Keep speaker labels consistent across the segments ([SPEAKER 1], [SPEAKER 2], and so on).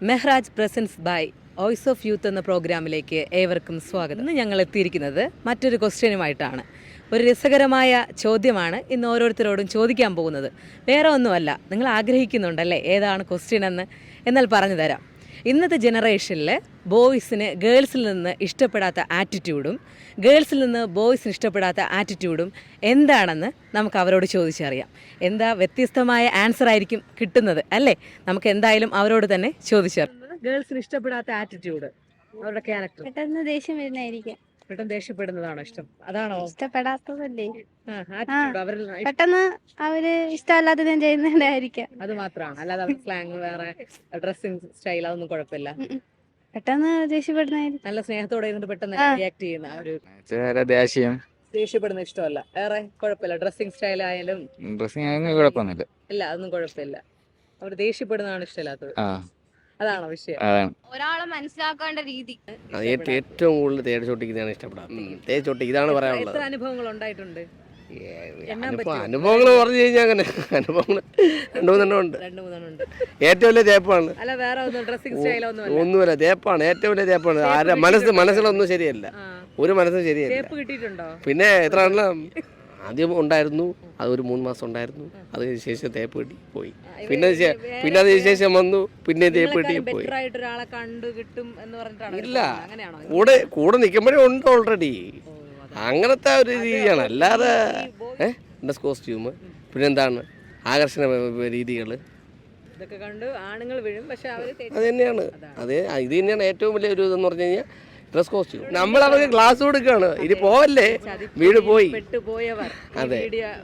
[SPEAKER 1] Mehraj presents by voice of youth എന്ന പ്രോഗ്രാമിലേക്ക് ഏവർക്കും സ്വാഗതം. ഇന്ന് ഞങ്ങൾ എത്തിയിരിക്കുന്നത് മറ്റൊരു ക്വസ്റ്റ്യനുമായിട്ടാണ്. ഒരു രസകരമായ ചോദ്യമാണ് ഇന്ന് ഓരോരുത്തരോടും ചോദിക്കാൻ പോകുന്നത്. വേറെ ഒന്നുമല്ല, നിങ്ങൾ ആഗ്രഹിക്കുന്നുണ്ടല്ലേ ഏതാണ് ക്വസ്റ്റ്യൻ എന്ന്? എന്നാൽ പറഞ്ഞു തരാം. ഇന്നത്തെ ജനറേഷനിൽ ബോയ്സിന് ഗേൾസിൽ നിന്ന് ഇഷ്ടപ്പെടാത്ത ആറ്റിറ്റ്യൂഡും ഗേൾസിൽ നിന്ന് ബോയ്സിന് ഇഷ്ടപ്പെടാത്ത ആറ്റിറ്റ്യൂഡും എന്താണെന്ന് നമുക്ക് അവരോട് ചോദിച്ചറിയാം. എന്താ വ്യത്യസ്തമായ ആൻസർ ആയിരിക്കും കിട്ടുന്നത് അല്ലേ? നമുക്ക് എന്തായാലും അവരോട് തന്നെ ചോദിച്ചറിയാം. ഗേൾസിന് ഇഷ്ടപ്പെടാത്ത ആറ്റിറ്റ്യൂഡ്, അവരുടെ ക്യാരക്ടർ.
[SPEAKER 2] പെട്ടെന്ന് ദേഷ്യം വരുന്നതായിരിക്കും.
[SPEAKER 1] പെട്ടെന്ന് ദേഷ്യപ്പെടുന്നതാണോ ഇഷ്ടം? അതാണോ
[SPEAKER 2] ഇഷ്ടപ്പെടാത്തതല്ലേ?
[SPEAKER 1] ആറ്റിറ്റ്യൂഡ് അവരിൽ
[SPEAKER 2] പെട്ടെന്ന് അവര് ഇഷ്ടമല്ലാത്തത് ചെയ്യുന്നതായിരിക്കാം.
[SPEAKER 1] അത് മാത്രമാണ്, അല്ലാതെ അവരുടെ സ്ലാങ് വേറെ ഡ്രസ്സിംഗ് സ്റ്റൈൽ അതൊന്നും കുഴപ്പമില്ല.
[SPEAKER 2] പെട്ടെന്ന് ദേഷ്യപ്പെടുന്നതായിരിക്കും.
[SPEAKER 1] നല്ല സ്നേഹത്തോടെ ഇരുന്നിട്ട് പെട്ടെന്ന് റിയാക്ട് ചെയ്യുന്ന ഒരു
[SPEAKER 3] ദേഷ്യം
[SPEAKER 1] ദേഷ്യപ്പെടുന്ന ഇഷ്ടമല്ല. വേറെ കുഴപ്പമില്ല, ഡ്രസ്സിംഗ് സ്റ്റൈൽ ആയാലും
[SPEAKER 3] ഡ്രസ്സിങ് കുഴപ്പമൊന്നുമില്ല.
[SPEAKER 1] ഇല്ല, അതൊന്നും കുഴപ്പമില്ല. അവർ ദേഷ്യപ്പെടുന്നതാണ് ഇഷ്ടമില്ലാത്തത്. അതാണോ വിഷയം?
[SPEAKER 3] അതാണ്
[SPEAKER 2] ഒരാളെ മനസ്സിലാക്കേണ്ട രീതി.
[SPEAKER 4] ഏറ്റവും കൂടുതൽ തേടിച്ചോട്ടിക്കുന്നതാണ് ഇഷ്ടപ്പെടാത്തത്. തേടിച്ചോട്ടി ഇതാണ് പറയാനുള്ളത്.
[SPEAKER 1] എത്ര അനുഭവങ്ങൾ ഉണ്ടായിട്ടുണ്ട്?
[SPEAKER 4] അനുഭവങ്ങൾ പറഞ്ഞു കഴിഞ്ഞാൽ അങ്ങനെ അനുഭവങ്ങൾ രണ്ടു മൂന്നെണ്ണം ഉണ്ട്. ഏറ്റവും വലിയ തേപ്പാണ്.
[SPEAKER 1] അല്ല, വേറെ ഒന്നും ഡ്രസ്സിംഗ് സ്റ്റൈൽ
[SPEAKER 4] ഒന്നുമില്ല, തേപ്പാണ് ഏറ്റവും വലിയ തേപ്പാണ്. ആരുടെ മനസ്സിലൊന്നും ശരിയല്ല, ഒരു മനസ്സും ശരിയല്ല.
[SPEAKER 1] തേപ്പ് കിട്ടിയിട്ടുണ്ടോ?
[SPEAKER 4] പിന്നെ എത്ര എണ്ണം ആദ്യം ഉണ്ടായിരുന്നു, അതൊരു 3 മാസം ഉണ്ടായിരുന്നു. അതിന് ശേഷം തേപ്പ് കിട്ടി പോയി. പിന്നെ അതിന് ശേഷം വന്നു, പിന്നെ തേപ്പ് കിട്ടി പോയി.
[SPEAKER 1] ഒരാളെ കണ്ടു കിട്ടും എന്ന് പറഞ്ഞിട്ടാണ്?
[SPEAKER 4] ഇല്ല, കൂടെ നിൽക്കുമ്പോഴേ ഉണ്ട് ഓൾറെഡി. അങ്ങനത്തെ ഒരു രീതിയാണ്. അല്ലാതെ ഡ്രസ് കോസ്റ്റ്യൂം, പിന്നെന്താണ് ആകർഷണ രീതികൾ,
[SPEAKER 1] ഇതൊക്കെ കണ്ട് ആണുങ്ങൾ വീഴും. പക്ഷെ
[SPEAKER 4] അത് തന്നെയാണ്. ഇത് തന്നെയാണ് ഏറ്റവും വലിയ ഒരു ഇതെന്ന് പറഞ്ഞു കഴിഞ്ഞാൽ ഡ്രസ് കോസ്റ്റ്യൂം. നമ്മൾ അവർക്ക് ക്ലാസ് കൊടുക്കുകയാണ്, ഇനി പോവല്ലേ, വീട് പോയി. അതെ,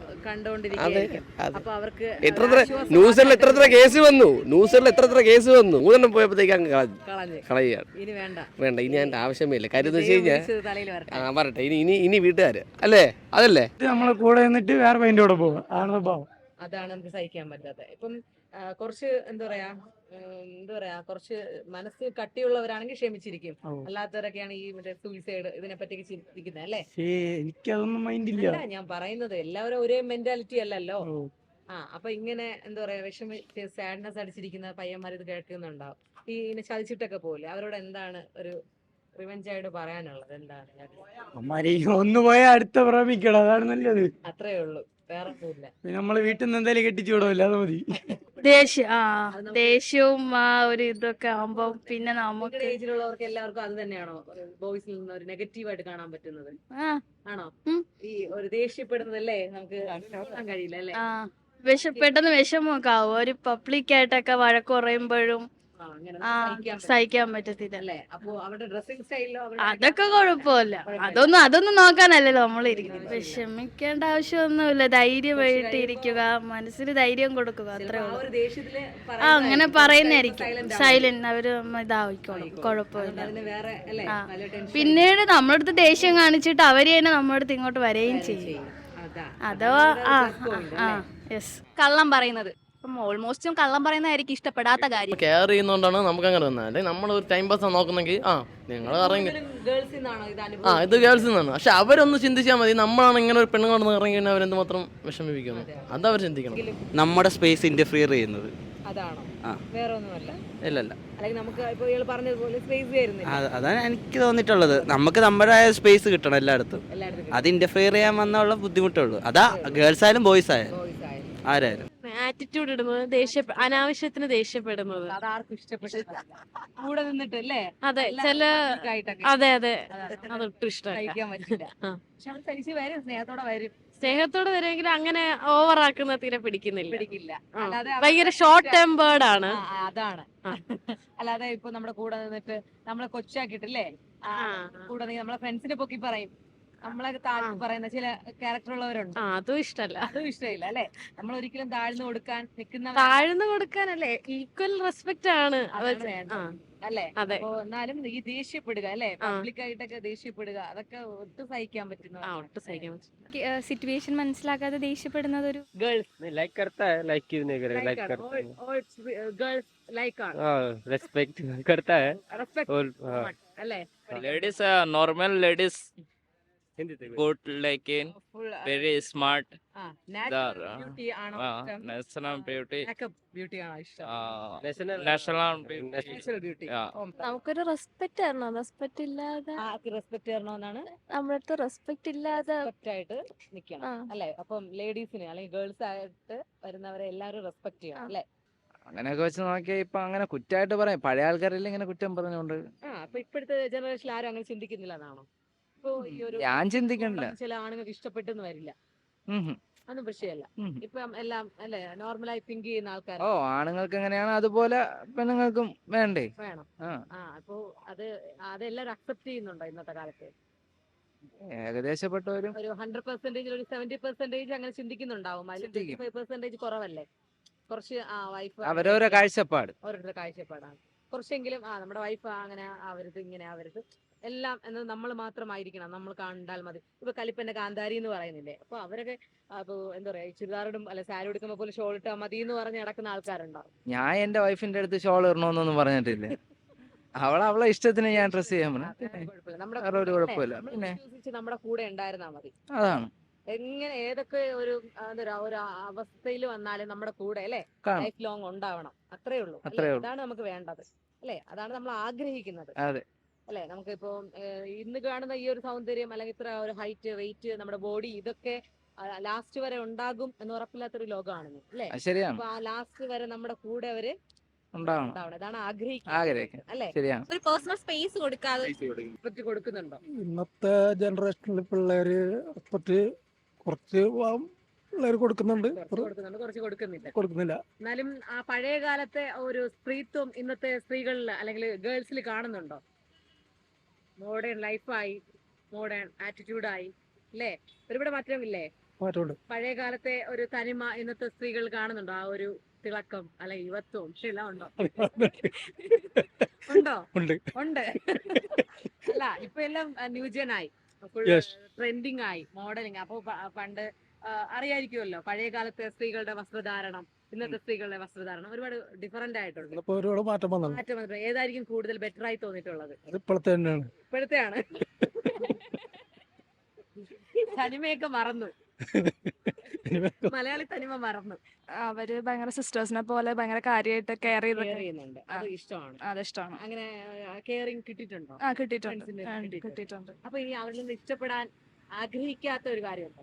[SPEAKER 4] എത്ര ന്യൂസിൽ എത്ര കേസ് വന്നു, എത്ര കേസ് വന്നു. 3 പോയപ്പോഴത്തേക്ക് അങ്ങ് കളയുകയാണ്. വേണ്ട, ഇനി അതിന്റെ ആവശ്യമേ ഇല്ല. കാര്യം എന്ന് വെച്ച് കഴിഞ്ഞാൽ വരട്ടെ, ഇനി വീട്ടുകാര് അല്ലേ, അതല്ലേ
[SPEAKER 5] നമ്മളെ കൂടെ നിന്നിട്ട് വേറെ പൈൻ്റെ കൂടെ പോകും.
[SPEAKER 1] അതാണ് നമുക്ക് സഹിക്കാൻ പറ്റാത്ത. ഇപ്പം കുറച്ച് എന്താ പറയാ കുറച്ച് മനസ്സ് കട്ടിയുള്ളവരാണെങ്കിൽ ക്ഷമിച്ചിരിക്കും. അല്ലാത്തവരൊക്കെയാണ് ഈ മറ്റേ സൂയിസൈഡ് ഇതിനെ പറ്റിയൊക്കെ ചിന്തിക്കുന്നത് അല്ലേ?
[SPEAKER 5] എനിക്കതൊന്നും മൈൻഡില്ല.
[SPEAKER 1] ഞാൻ പറയുന്നത് എല്ലാവരും ഒരേ മെന്റാലിറ്റി അല്ലല്ലോ. അപ്പൊ ഇങ്ങനെ എന്താ പറയാ സാഡ്നെസ് അടിച്ചിരിക്കുന്ന പയ്യന്മാർ ഇത് കേൾക്കുന്നുണ്ടാവും. ഈ ഇങ്ങനെ ചതിച്ചിട്ടൊക്കെ പോലെ അവരോട് എന്താണ് ഒരു റിവെഞ്ച് ആയിട്ട് പറയാനുള്ളത്? എന്താണ്?
[SPEAKER 5] ഒന്ന് പോയാൽ അടുത്ത പ്രേമിക്കണം, അതാണ് നല്ലത്.
[SPEAKER 1] അത്രേ ഉള്ളൂ, വേറെ ഒന്നുമില്ല.
[SPEAKER 5] നമ്മള് വീട്ടിൽ നിന്ന് എന്തായാലും കെട്ടിച്ചു വിടവില്ല, അത് മതി.
[SPEAKER 2] ദേഷ്യവും ഒരു ഇതൊക്കെ ആവുമ്പോ പിന്നെ നമുക്ക്
[SPEAKER 1] ഏജിലുള്ളവർക്ക് എല്ലാവർക്കും അത് തന്നെയാണോ ബോയ്സിൽ നിന്ന് ഒരു നെഗറ്റീവായിട്ട് കാണാൻ പറ്റുന്നത്? ആണോ? ഈ ഒരു ദേഷ്യപ്പെടുന്നതല്ലേ നമുക്ക് നോക്കാൻ കഴിയില്ല അല്ലേ?
[SPEAKER 2] പെട്ടെന്ന് വിഷമമൊക്കെ ആവും. ഒരു പബ്ലിക് ആയിട്ടൊക്കെ വഴക്ക് പറയുമ്പോഴും സഹിക്കാൻ പറ്റത്തില്ല. അതൊക്കെ കുഴപ്പമില്ല. അതൊന്നും നോക്കാനല്ലല്ലോ നമ്മളിരിക്കുന്നത്. വിഷമിക്കേണ്ട ആവശ്യമൊന്നുമില്ല. ധൈര്യമായിട്ട് ഇരിക്കുക, മനസ്സിന് ധൈര്യം കൊടുക്കുക, അത്രേ ഉള്ളൂ. അങ്ങനെ പറയുന്നതായിരിക്കും. സൈലന്റ് അവര് ഇതാവിക്കോളും, കുഴപ്പമില്ല. പിന്നീട് നമ്മുടെ അടുത്ത് ദേഷ്യം കാണിച്ചിട്ട് അവര് തന്നെ നമ്മുടെ അടുത്ത് ഇങ്ങോട്ട് വരികയും ചെയ്യും. അഥവാ
[SPEAKER 6] കള്ളം പറയുന്നത് ഓൾമോസ്റ്റും കള്ളം പറയുന്നതായിരിക്കും ഇഷ്ടപ്പെടാത്ത കാര്യം.
[SPEAKER 7] കെയർ ചെയ്യുന്നോണ്ടാണ് നമുക്ക് അങ്ങനെ വന്നത്. അല്ലെങ്കിൽ നമ്മൾ ഒരു ടൈം പാസ് നോക്കുന്നെങ്കിൽ നിങ്ങൾ ഇറങ്ങി ഇത് ഗേൾസിൽ നിന്നാണ്. പക്ഷെ അവരൊന്ന് ചിന്തിച്ചാൽ മതി, നമ്മളാണ് ഇങ്ങനെ ഒരു പെണ്ണുങ്ങൾ ഇറങ്ങി കഴിഞ്ഞാൽ അവരെന്ത് മാത്രം വിഷമിപ്പിക്കുന്നു, അതവർ ചിന്തിക്കണം.
[SPEAKER 3] നമ്മുടെ സ്പേസ് ഇന്റർഫിയർ ചെയ്യുന്നത് അതാണ് എനിക്ക് തോന്നിയിട്ടുള്ളത്. നമുക്ക് നമ്മുടെ സ്പേസ് കിട്ടണം എല്ലായിടത്തും. അത് ഇന്റർഫിയർ ചെയ്യാൻ വന്നുള്ള ബുദ്ധിമുട്ടുള്ളൂ. അതാ ഗേൾസ് ആയാലും ബോയ്സ് ആയാലും ആരായാലും.
[SPEAKER 6] ആറ്റിറ്റ്യൂഡ് ഇടുന്നത്, അനാവശ്യത്തിന് ദേഷ്യപ്പെടുന്നത്
[SPEAKER 1] അതാർക്കും ഇഷ്ടപ്പെട്ടില്ല. കൂടെ നിന്നിട്ടല്ലേ?
[SPEAKER 6] അതെ, അതെ അതൊട്ടും ഇഷ്ടമല്ല. സ്നേഹത്തോടെ വരുമെങ്കിൽ അങ്ങനെ ഓവറാക്കുന്ന തീരെ പിടിക്കില്ല. ഭയങ്കര ഷോർട്ട് ടെമ്പേർഡ് ആണ്.
[SPEAKER 1] അതാണ്. അല്ലാതെ ഇപ്പൊ നമ്മുടെ കൂടെ നിന്നിട്ട് നമ്മളെ കൊച്ചാക്കിട്ടില്ലേ, കൂടെ നമ്മളെ ഫ്രണ്ട്സിനെ പൊക്കി പറയും, നമ്മളെ താഴ്ത്തി പറയുന്ന ചില ക്യാരക്ടർ ഉള്ളവരുണ്ട്.
[SPEAKER 6] അതും ഇഷ്ടമല്ല
[SPEAKER 1] അല്ലെ? നമ്മൾ ഒരിക്കലും താഴ്ന്നു കൊടുക്കാനല്ലേ,
[SPEAKER 6] ഈക്വൽ റെസ്പെക്ട് ആണ്
[SPEAKER 1] അല്ലേ? എന്നാലും ഈ ദേഷ്യപ്പെടുക അല്ലെ, പബ്ലിക് ആയിട്ടൊക്കെ ദേഷ്യപ്പെടുക, അതൊക്കെ ഒട്ടും സഹിക്കാൻ പറ്റുന്ന
[SPEAKER 2] സിറ്റുവേഷൻ മനസ്സിലാക്കാതെ ദേഷ്യപ്പെടുന്നത് ഒരു
[SPEAKER 4] girls
[SPEAKER 3] ladies normal ladies good, like in very smart
[SPEAKER 1] ആ നാച്ചുറൽ ബ്യൂട്ടി ആണോ ഇഷ്ടം?
[SPEAKER 8] national beauty,
[SPEAKER 1] മേക്കപ്പ് ബ്യൂട്ടി ആണോ ഇഷ്ടം?
[SPEAKER 8] national beauty.
[SPEAKER 1] Natural beauty.
[SPEAKER 6] നമുക്കൊരു റെസ്പെക്ട് തരണം. റെസ്പെക്ട് ഇല്ലാതെ
[SPEAKER 1] റെസ്പെക്ട് തരണമെന്നാണ്.
[SPEAKER 6] നമ്മളടുത്ത് റെസ്പെക്ട് ഇല്ലാതെ
[SPEAKER 1] റെസ്പെക്ട് ആയിട്ട് നിൽക്കണം
[SPEAKER 6] ആ.
[SPEAKER 1] അല്ലെ? അപ്പം ലേഡീസിന് അല്ലെങ്കിൽ ഗേൾസ് ആയിട്ട് വരുന്നവരെ എല്ലാവരും റെസ്പെക്ട് ചെയ്യണം അല്ലെ?
[SPEAKER 9] അങ്ങനെയൊക്കെ വെച്ച് നോക്കിയാൽ ഇപ്പൊ അങ്ങനെ കുറ്റമായിട്ട് പറയാം, പഴയ ആൾക്കാരെല്ലാം ഇങ്ങനെ കുറ്റം പറഞ്ഞുകൊണ്ട്
[SPEAKER 1] അപ്പൊ ഇപ്പോഴത്തെ ജനറേഷനിൽ ആരും അങ്ങനെ ചിന്തിക്കുന്നില്ല എന്നാണോ? ഇപ്പൊ ഈ ഒരു
[SPEAKER 9] ഞാൻ ചിന്തിക്കണില്ല.
[SPEAKER 1] ചില ആണുങ്ങൾക്ക് ഇഷ്ടപ്പെട്ടെന്ന് വരില്ല,
[SPEAKER 9] ഉം ഹും.
[SPEAKER 1] അതൊന്നും വിഷയമല്ല.
[SPEAKER 9] ഉം.
[SPEAKER 1] ഇപ്പം എല്ലാം അല്ലെ നോർമലായി തിങ്ക് ചെയ്യുന്ന ആൾക്കാർ
[SPEAKER 9] ഓ, ആണുങ്ങൾക്ക് എങ്ങനെയാണ് അതുപോലെ പെണ്ണുങ്ങൾക്കും വേണ്ടേ?
[SPEAKER 1] വേണം.
[SPEAKER 9] ആ
[SPEAKER 1] അപ്പൊ അതെല്ലാരും അക്സെപ്റ്റ് ചെയ്യുന്നുണ്ടോ ഇന്നത്തെ കാലത്ത്?
[SPEAKER 9] ഏകദേശപ്പെട്ടവരും
[SPEAKER 1] ഒരു 100% ഒരു 70% അങ്ങനെ ചിന്തിക്കുന്നുണ്ടാവും. അതിൽ
[SPEAKER 9] ചിന്തിക്കും.
[SPEAKER 1] 25% കുറവല്ലേ? കുറച്ച് വൈഫ്
[SPEAKER 9] അവരവരെ കാഴ്ചപ്പാട്.
[SPEAKER 1] ഓരോരുത്തരുടെ കാഴ്ചപ്പാടാണ്. കുറച്ചെങ്കിലും നമ്മുടെ വൈഫ് അങ്ങനെ ആവരുത്, ഇങ്ങനെ ആവരുത്, എല്ലാം എന്നത് നമ്മൾ മാത്രമായിരിക്കണം, നമ്മൾ കണ്ടാൽ മതി. ഇപ്പൊ കലിപ്പന്റെ കാന്താരി എന്ന് പറയുന്നില്ലേ? അപ്പൊ അവരൊക്കെ അപ്പൊ എന്താ പറയാ, ചുരിദാറിടും അല്ലെ സാരി എടുക്കുമ്പോ പോലെ ഷോൾ ഇട്ടാൽ മതി എന്ന് പറഞ്ഞ് നടക്കുന്ന ആൾക്കാരുണ്ടാവും.
[SPEAKER 9] ഞാൻ എന്റെ വൈഫിന്റെ അടുത്ത് ഷോൾ ഇടണമെന്നൊന്നും പറഞ്ഞിട്ടില്ല. അവളെ ഇഷ്ടത്തിന് ഞാൻ ഡ്രസ് ചെയ്യാൻ പറഞ്ഞു.
[SPEAKER 1] കുഴപ്പമില്ല. നമ്മുടെ
[SPEAKER 9] വേറെ ഒരു
[SPEAKER 1] കൂടെ
[SPEAKER 9] കുഴപ്പമില്ല.
[SPEAKER 1] നമ്മളെ
[SPEAKER 9] പിന്നെ
[SPEAKER 1] വിശ്വസിച്ച് നമ്മുടെ കൂടെ ഉണ്ടായിരുന്നാ മതി.
[SPEAKER 9] അതാണ്
[SPEAKER 1] എങ്ങനെ ഏതൊക്കെ ഒരു ഒരു അവസ്ഥയിൽ വന്നാലും നമ്മുടെ കൂടെ അല്ലെ
[SPEAKER 9] കാണും.
[SPEAKER 1] ലൈഫ് ലോങ് ഉണ്ടാവണം. അത്രേ ഉള്ളൂ. അല്ലേ?
[SPEAKER 9] അത്രേ ഉള്ളൂ.
[SPEAKER 1] അതാണ് നമുക്ക് വേണ്ടത് അല്ലെ? അതാണ് നമ്മൾ ആഗ്രഹിക്കുന്നത്
[SPEAKER 9] അതെ.
[SPEAKER 1] അല്ലെ? നമുക്കിപ്പോ ഇന്ന് കാണുന്ന ഈ ഒരു സൗന്ദര്യം അല്ലെങ്കിൽ ഇത്ര ഒരു ഹൈറ്റ്, വെയിറ്റ്, നമ്മുടെ ബോഡി, ഇതൊക്കെ ലാസ്റ്റ് വരെ ഉണ്ടാകും എന്ന് ഉറപ്പില്ലാത്തൊരു ലോകമാണ് അല്ലെ?
[SPEAKER 9] അത് ശരിയാണ്.
[SPEAKER 1] അപ്പൊ ആ ലാസ്റ്റ് വരെ നമ്മുടെ കൂടെ അവര്
[SPEAKER 9] ഉണ്ടാവണം.
[SPEAKER 1] ഉണ്ടാവണം. അതാണ് ആഗ്രഹിക്കുന്നത്
[SPEAKER 9] ആഗ്രഹിക്കാം.
[SPEAKER 1] അല്ലെ?
[SPEAKER 9] ശരിയാണ്.
[SPEAKER 6] ഒരു പേഴ്സണൽ സ്പേസ് കൊടുക്കാതെ
[SPEAKER 1] റെസ്പെക്ട് കൊടുക്കുന്നുണ്ടോ?
[SPEAKER 5] ഇന്നത്തെ ജനറേഷനിൽ പിള്ളേര് റെസ്പെക്ട് കുറച്ച് പിള്ളേർ കൊടുക്കുന്നുണ്ട്,
[SPEAKER 1] കുറച്ച് കൊടുക്കുന്നുണ്ട്, കുറച്ച് കൊടുക്കുന്നില്ല.
[SPEAKER 5] കൊടുക്കുന്നില്ല.
[SPEAKER 1] എന്നാലും ആ പഴയ കാലത്തെ ഒരു സ്ത്രീത്വം ഇന്നത്തെ സ്ത്രീകളിൽ അല്ലെങ്കിൽ ഗേൾസിൽ കാണുന്നുണ്ടോ? മോഡേൺ ലൈഫായി, മോഡേൺ ആറ്റിറ്റ്യൂഡായി അല്ലേ? ഒരുപാട് മാറ്റമില്ലേ?
[SPEAKER 5] മാറ്റമുണ്ട്.
[SPEAKER 1] പഴയ കാലത്തെ ഒരു തനിമ ഇന്നത്തെ സ്ത്രീകൾ കാണുന്നുണ്ടോ? ആ ഒരു തിളക്കം അല്ലെ യുവത്വം എല്ലാം ഉണ്ടോ? ഉണ്ടോ?
[SPEAKER 5] ഉണ്ട്.
[SPEAKER 1] ഉണ്ട്. അല്ല ഇപ്പൊ എല്ലാം ന്യൂജൻ ആയി,
[SPEAKER 5] Yes.
[SPEAKER 1] ട്രെൻഡിങ് ആയി, മോഡലിംഗ്. അപ്പൊ പണ്ട് അറിയായിരിക്കുമല്ലോ പഴയ കാലത്തെ സ്ത്രീകളുടെ വസ്ത്രധാരണം, ഇന്നത്തെ സ്ത്രീകളുടെ വസ്ത്രധാരണം ഒരുപാട് ഡിഫറെന്റ് ആയിട്ടുണ്ട്.
[SPEAKER 5] ഇപ്പൊ ഒരുപാട് മാറ്റം വന്നു.
[SPEAKER 1] മാറ്റം വന്നിട്ടുണ്ട്. ഏതായിരിക്കും കൂടുതൽ ബെറ്റർ ആയി തോന്നിയിട്ടുള്ളത്?
[SPEAKER 5] അത് ഇപ്പോഴത്തെ തന്നെയാണ്.
[SPEAKER 1] ഇപ്പോഴത്തെയാണ്. തനിമയൊക്കെ മറന്നു, മലയാളി തനിമ മറന്നു.
[SPEAKER 2] അവര് ഭയങ്കര സിസ്റ്റേഴ്സിനെ പോലെ ഭയങ്കര കാര്യമായിട്ട് കെയർ
[SPEAKER 1] Care ചെയ്യുന്നുണ്ട്. അത് ഇഷ്ടമാണ്.
[SPEAKER 2] അതിഷ്ടമാണ്.
[SPEAKER 1] അങ്ങനെ കെയറിങ് കിട്ടിയിട്ടുണ്ടോ?
[SPEAKER 2] കിട്ടിയിട്ടുണ്ട്.
[SPEAKER 1] Friends ന് കിട്ടിയിട്ടുണ്ട്.
[SPEAKER 2] കിട്ടിയിട്ടുണ്ട്.
[SPEAKER 1] അപ്പൊ ഇനി അവരിൽ നിന്ന് ഇഷ്ടപ്പെടാൻ ആഗ്രഹിക്കാത്ത ഒരു കാര്യമുണ്ടോ?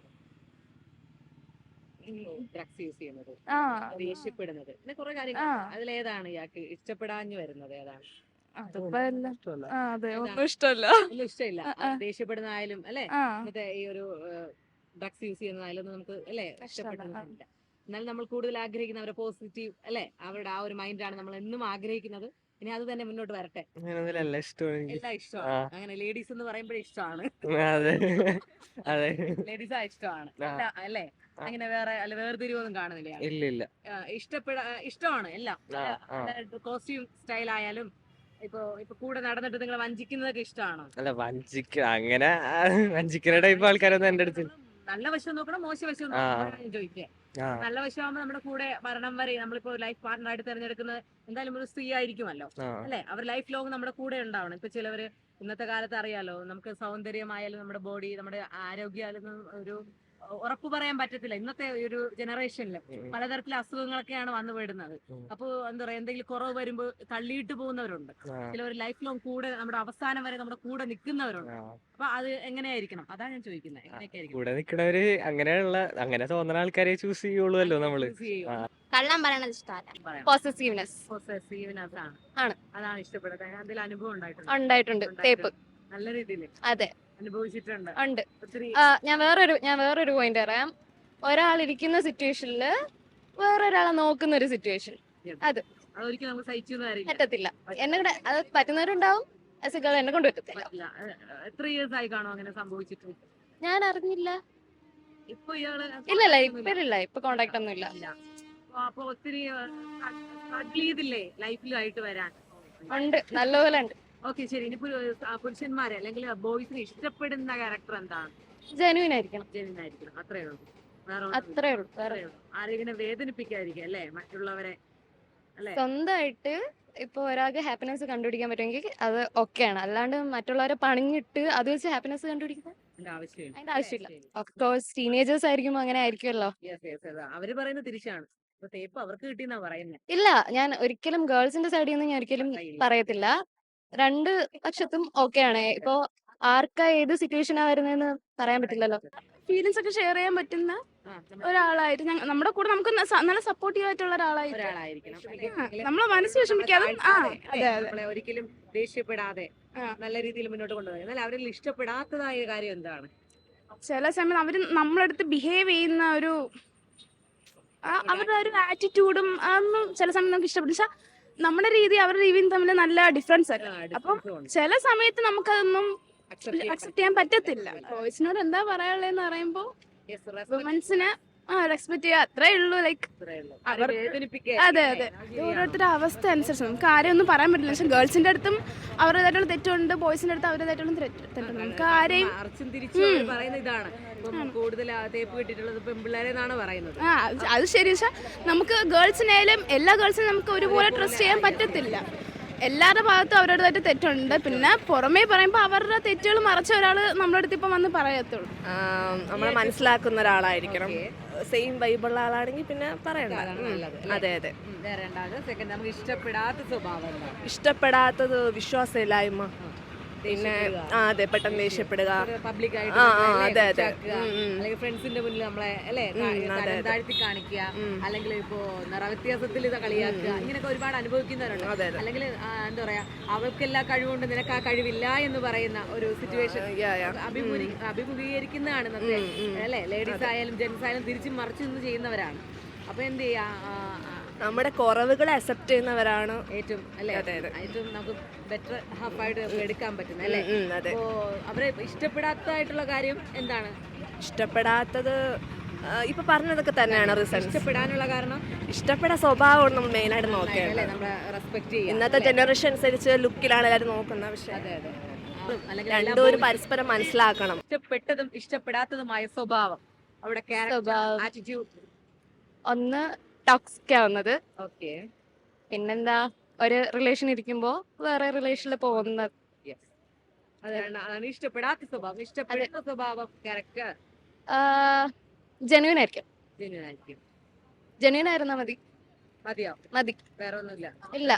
[SPEAKER 1] ഡ്രഗ്സ് യൂസ് ചെയ്യുന്നത്, ദേഷ്യപ്പെടുന്നത്, പിന്നെ കുറെ കാര്യങ്ങൾ. അതിലേതാണ് ഇയാൾക്ക് ഇഷ്ടപ്പെടാഞ്ഞു വരുന്നത്? ഏതാണ്?
[SPEAKER 2] അതിപ്പോ എല്ലാം
[SPEAKER 5] ഇഷ്ടമല്ല.
[SPEAKER 2] അതെ, ഒന്നും ഇഷ്ടമല്ല.
[SPEAKER 1] ഒന്നും ഇഷ്ടമില്ല. ദേഷ്യപ്പെടുന്നതായാലും അല്ലെ, മറ്റേ ഈ ഒരു ഡ്രഗ്സ് യൂസ് ചെയ്യുന്നതായാലും നമുക്ക് അല്ലെ ഇഷ്ടപ്പെടുന്നില്ല. എന്നാൽ നമ്മൾ കൂടുതൽ ആഗ്രഹിക്കുന്ന അവരുടെ പോസിറ്റീവ് അല്ലെ, അവരുടെ ആ ഒരു മൈൻഡാണ് നമ്മൾ എന്നും ആഗ്രഹിക്കുന്നത്. ഇനി അത് തന്നെ മുന്നോട്ട് വരട്ടെ.
[SPEAKER 3] അങ്ങനെയൊന്നുമില്ല, ഇഷ്ടമാണ് എനിക്ക്.
[SPEAKER 1] എല്ലാം ഇഷ്ടമാണ്. അങ്ങനെ ലേഡീസ് എന്ന് പറയുമ്പോഴേ ഇഷ്ടമാണ്.
[SPEAKER 3] അതെ അതെ,
[SPEAKER 1] ലേഡീസ് ഇഷ്ടമാണ് അല്ലെ? അങ്ങനെ വേറെ അല്ല വേർതിരിവൊന്നും കാണുന്നില്ല.
[SPEAKER 3] ഇല്ല ഇല്ല,
[SPEAKER 1] ഇഷ്ടമാണ് എല്ലാം. കോസ്റ്റ്യൂം സ്റ്റൈൽ ആയാലും ഇപ്പൊ കൂടെ നടന്നിട്ട് നിങ്ങൾ വഞ്ചിക്കുന്നതൊക്കെ ഇഷ്ടമാണോ?
[SPEAKER 3] അല്ല അങ്ങനെ വഞ്ചിക്കുന്ന ടൈപ്പ് ആൾക്കാരൊന്നും എന്റെ അടുത്ത്.
[SPEAKER 1] നല്ല വശം നോക്കണം, മോശം വശം നോക്കണം ചോദിക്കുക. നല്ല വശമാകുമ്പോ നമ്മുടെ കൂടെ മരണം വരെ നമ്മളിപ്പോ ലൈഫ് പാർട്ണറായിട്ട് തിരഞ്ഞെടുക്കുന്നത് എന്തായാലും ഒരു സ്ത്രീ ആയിരിക്കുമല്ലോ അല്ലെ? അവർ ലൈഫ് ലോങ് നമ്മുടെ കൂടെ ഉണ്ടാവണം. ഇപ്പൊ ചിലവര് ഇന്നത്തെ കാലത്ത് അറിയാലോ, നമുക്ക് സൗന്ദര്യമായാലും നമ്മുടെ ബോഡി, നമ്മുടെ ആരോഗ്യമായാലും ഒരു ഉറപ്പ് പറയാൻ പറ്റത്തില്ല. ഇന്നത്തെ ഒരു ജനറേഷനിൽ പലതരത്തിലെ അസുഖങ്ങളൊക്കെയാണ് വന്നു പെടുന്നത്. അപ്പൊ എന്താ പറയാ, എന്തെങ്കിലും കുറവ് വരുമ്പോ തള്ളിയിട്ട് പോകുന്നവരുണ്ട്. ചിലവർ ലൈഫ് ലോങ് കൂടെ നമ്മുടെ അവസാനം വരെ നമ്മുടെ കൂടെ നിൽക്കുന്നവരുണ്ട്. അപ്പൊ അത് എങ്ങനെയായിരിക്കണം? അതാണ് ഞാൻ ചോദിക്കുന്നത്. എങ്ങനെയൊക്കെ
[SPEAKER 3] കൂടെ നിക്കണവര് അങ്ങനെ തോന്നുന്ന ആൾക്കാരെ ചൂസ് ചെയ്യുള്ളൂ നമ്മള്.
[SPEAKER 6] കള്ളം പറയണത് ഇഷ്ടമല്ല. പോസസീവ്നെസ്
[SPEAKER 1] ആണ്. അതാണ് ഇഷ്ടപ്പെടുന്നത്. എന്തെങ്കിലും അനുഭവം
[SPEAKER 6] ഉണ്ടായിട്ടുണ്ട്. തേപ്പ്
[SPEAKER 1] നല്ല രീതിയിൽ
[SPEAKER 6] അതെ
[SPEAKER 1] അനുഭവിച്ചിട്ടുണ്ട്.
[SPEAKER 6] ഉണ്ട്.
[SPEAKER 1] ഒത്തിരി
[SPEAKER 6] ഞാൻ വേറൊരു പോയിന്റ് പറയാം. ഒരാൾ ഇരിക്കുന്ന സിറ്റുവേഷനില് വേറൊരാളെ നോക്കുന്ന ഒരു സിറ്റുവേഷൻ
[SPEAKER 1] അതൊരിക്കലും നമുക്ക് സഹിച്ചു
[SPEAKER 6] പറ്റത്തില്ല. എന്നെ കൂടെ അത് പറ്റുന്നവരുണ്ടാവും. എന്നെ കൊണ്ട് പറ്റത്തില്ല.
[SPEAKER 1] എത്ര ഇയേഴ്സ് ആയി കാണും അങ്ങനെ സംഭവിച്ചിട്ട്?
[SPEAKER 6] ഞാൻ അറിഞ്ഞില്ല.
[SPEAKER 1] ഇപ്പൊ ഇയാള്
[SPEAKER 6] ഇല്ല ഇപ്പൊ കോണ്ടാക്ട് ഒന്നും ഇല്ല.
[SPEAKER 1] അപ്പൊ ഒത്തിരി സ്ട്രഗിൾ ചെയ്തില്ലേ ലൈഫിലായിട്ട് വരാൻ?
[SPEAKER 6] ഉണ്ട്, നല്ലപോലെ ഉണ്ട്.
[SPEAKER 1] ഓക്കെ, ശരി. ഇനി പുരുഷന്മാരെ അല്ലെങ്കിൽ ബോയ്സിനെ ഇഷ്ടപ്പെടുന്ന ക്യാരക്ടർ എന്താണ്?
[SPEAKER 6] ജെനുവിൻ ആയിരിക്കണം.
[SPEAKER 1] ജെനുവിൻ ആയിരിക്കണം. അത്രേ ഉള്ളൂ.
[SPEAKER 6] അത്രേ ഉള്ളൂ.
[SPEAKER 1] ആരെങ്കിലും വേദനിപ്പിക്കാതിരിക്കുക അല്ലേ, മറ്റുള്ളവരെ അല്ലെ?
[SPEAKER 6] സ്വന്തമായിട്ട് ഇപ്പൊ ഒരാൾക്ക് ഹാപ്പിനെസ് കണ്ടുപിടിക്കാൻ പറ്റുമെങ്കിൽ അത് ഓക്കെയാണ്. അല്ലാണ്ട് മറ്റുള്ളവരെ പണിഞ്ഞിട്ട് അത് വെച്ച് ഹാപ്പിനെസ് കണ്ടുപിടിക്കുന്നത്
[SPEAKER 1] അതിന്റെ ആവശ്യമില്ല.
[SPEAKER 6] അതിന്റെ ആവശ്യമില്ല. ഓഫ് കോഴ്സ് ടീനേജേഴ്സ് ആയിരിക്കുമ്പോൾ അങ്ങനെ ആയിരിക്കുമല്ലോ.
[SPEAKER 1] Yes, yes, yes. അവര് പറയുന്നത് തിരിച്ചാണ്. അപ്പൊ തേപ്പ് അവർക്ക് കിട്ടിയെന്നാ പറയുന്നത്.
[SPEAKER 6] ഇല്ല, ഞാൻ ഒരിക്കലും ഗേൾസിന്റെ സൈഡിൽ നിന്ന് ഞാൻ ഒരിക്കലും പറയത്തില്ല. രണ്ട് പക്ഷത്തും ഓക്കെ ആണ്. ഇപ്പോ ആർക്കാ ഏത് സിറ്റുവേഷനാ വരുന്നതെന്ന് പറയാൻ പറ്റില്ലല്ലോ.
[SPEAKER 2] ഫീലിങ്സ് ഒക്കെ ഷെയർ ചെയ്യാൻ പറ്റുന്ന ഒരാളായിട്ട് നമ്മുടെ കൂടെ നമുക്ക് നല്ല സപ്പോർട്ടീവ് ആയിട്ടുള്ള ഒരാളായിട്ട്
[SPEAKER 1] ഒരാളായിരിക്കണം.
[SPEAKER 2] നമ്മളെ മനസ്സ് വിഷമിക്കാതെ
[SPEAKER 1] നമ്മളെ ഒരിക്കലും ദേഷ്യപ്പെടാതെ നല്ല രീതിയിൽ മുന്നോട്ട് കൊണ്ടുപോകും. എന്നാൽ അവരിൽ ഇഷ്ടപ്പെടാത്തതായ കാര്യം എന്താണ്?
[SPEAKER 2] ചില സമയം അവര് നമ്മളടുത്ത് ബിഹേവ് ചെയ്യുന്ന ഒരു അവരുടെ ഒരു ആറ്റിറ്റ്യൂഡും അതൊന്നും ചില സമയം നമുക്ക് ഇഷ്ടപ്പെടും. പക്ഷെ നമ്മുടെ രീതി അവരുടെ രീതിയും തമ്മിൽ നല്ല ഡിഫറൻസ് ആണ്. അപ്പം ചില സമയത്ത് നമുക്കതൊന്നും അക്സെപ്റ്റ് ചെയ്യാൻ പറ്റത്തില്ല. ബോയ്സിനോട് എന്താ പറയാനുള്ളതെന്ന് പറയുമ്പോ വുമൻസിനെ റെസ്പെക്ട് ചെയ്യുക, അത്രേ ഉള്ളൂ. ലൈക്ക് അതെ അതെ, ഓരോരുത്തരുടെ അവസ്ഥ അനുസരിച്ച് നമുക്ക് ആരെയും ഒന്നും പറയാൻ പറ്റില്ല. പക്ഷെ ഗേൾസിന്റെ അടുത്തും അവരുടേതായിട്ടുള്ള തെറ്റുണ്ട്, ബോയ്സിന്റെ അടുത്ത് അവരുടേതായിട്ടുള്ള തെറ്റുണ്ട്. നമുക്ക് ആരെയും
[SPEAKER 1] പറയുന്ന ഇതാണ് കൂടുതൽ തേപ്പ് കിട്ടിയിട്ടുള്ളത് പെൺപിള്ളേരെന്നാണ് പറയുന്നത്.
[SPEAKER 2] അത് ശരി. പക്ഷെ നമുക്ക് ഗേൾസിനായാലും എല്ലാ ഗേൾസിനും നമുക്ക് ഒരുപോലെ ട്രസ്റ്റ് ചെയ്യാൻ പറ്റത്തില്ല. എല്ലാവരുടെ ഭാഗത്തും അവരുടേതായിട്ട് തെറ്റുണ്ട്. പിന്നെ പുറമേ പറയുമ്പോൾ അവരുടെ തെറ്റുകൾ മറച്ച ഒരാൾ നമ്മുടെ അടുത്ത് ഇപ്പം വന്ന് പറയത്തുള്ളൂ.
[SPEAKER 10] നമ്മളെ മനസ്സിലാക്കുന്ന ഒരാളായിരിക്കണം. സെയിം വൈബുള്ള ആളാണെങ്കിൽ പിന്നെ പറയണ്ട. അതെ അതെ.
[SPEAKER 1] നമുക്ക് ഇഷ്ടപ്പെടാത്ത സ്വഭാവം എന്താണ്?
[SPEAKER 10] ഇഷ്ടപ്പെടാത്തത് വിശ്വാസമില്ലായ്മ, പിന്നെ അതെ പെട്ടെന്ന് ദേഷ്യപ്പെടുക. അതെ അതെ.
[SPEAKER 1] അല്ലെങ്കിൽ ഫ്രണ്ട്സിന്റെ മുന്നിൽ നമ്മളെ അല്ലേ താഴ്ത്തി കാണിക്കുക, അല്ലെങ്കിൽ ഇപ്പോ നിറവ്യത്യാസത്തിൽ ഇത് കളിയാക്കുക, ഇങ്ങനെയൊക്കെ ഒരുപാട് അനുഭവിക്കുന്നവരുണ്ട്. അല്ലെങ്കിൽ എന്താ പറയാ, അവൾക്ക് എല്ലാ കഴിവുകൊണ്ട് നിനക്ക് ആ കഴിവില്ല എന്ന് പറയുന്ന ഒരു സിറ്റുവേഷൻ അഭിമുഖീകരിക്കുന്നതാണ് ഇന്നത്തെ അല്ലെ ലേഡീസ് ആയാലും ജെന്റ്സ് ആയാലും തിരിച്ചും മറിച്ചു നിന്ന് ചെയ്യുന്നവരാണ്. അപ്പൊ എന്ത് ചെയ്യാ,
[SPEAKER 10] നമ്മുടെ കുറവുകളെ അക്സെപ്റ്റ് ചെയ്യുന്നവരാണ്
[SPEAKER 1] ഏറ്റവും അല്ലെ ഏറ്റവും നമുക്ക് ബെറ്റർ ഹാഫായിട്ട് എടുക്കാൻ പറ്റുന്നത് അല്ലേ? അപ്പോ അവരെ ഇഷ്ടപ്പെടാത്തതായിട്ടുള്ള കാര്യം എന്താണ്?
[SPEAKER 10] ഇഷ്ടപ്പെടാത്തത് ഇപ്പൊ പറഞ്ഞതൊക്കെ തന്നെയാണ് റീസൺ.
[SPEAKER 1] ഇഷ്ടപ്പെടാനുള്ള കാരണം
[SPEAKER 10] ഇഷ്ടപ്പെടാൻ സ്വഭാവമാണ് നമ്മൾ മെയിൻ ആയിട്ട് നോക്കേണ്ടത്.
[SPEAKER 1] നമ്മളെ റെസ്പെക്ട് ചെയ്യുക.
[SPEAKER 10] ഇന്നത്തെ ജനറേഷൻ അനുസരിച്ച് ലുക്കിലാണ് എല്ലാവരും നോക്കുന്നത്. പക്ഷെ രണ്ടും ഒരു പരസ്പരം മനസ്സിലാക്കണം.
[SPEAKER 1] ഇഷ്ടപ്പെട്ടതും ഇഷ്ടപ്പെടാത്തതുമായ സ്വഭാവം, അവിടെ ആറ്റിറ്റ്യൂഡ്.
[SPEAKER 6] ഒന്ന് ടോക്സിക് ആവുന്നത്.
[SPEAKER 1] ഓക്കെ.
[SPEAKER 6] പിന്നെന്താ, ഒരു റിലേഷൻ ഇരിക്കുമ്പോ വേറെ റിലേഷനിൽ പോകുന്നത്.
[SPEAKER 1] അതാണ് ഇഷ്ടപ്പെടാത്ത സ്വഭാവം. ഇഷ്ടപ്പെടുന്ന സ്വഭാവം ക്യാരക്ടർ
[SPEAKER 6] ജെന്യൂൻ ആയിരിക്കും. ജെന്യൂൻ ആയിരുന്നാ മതി. മതി,
[SPEAKER 1] വേറെ ഒന്നുമില്ല.
[SPEAKER 6] ഇല്ല.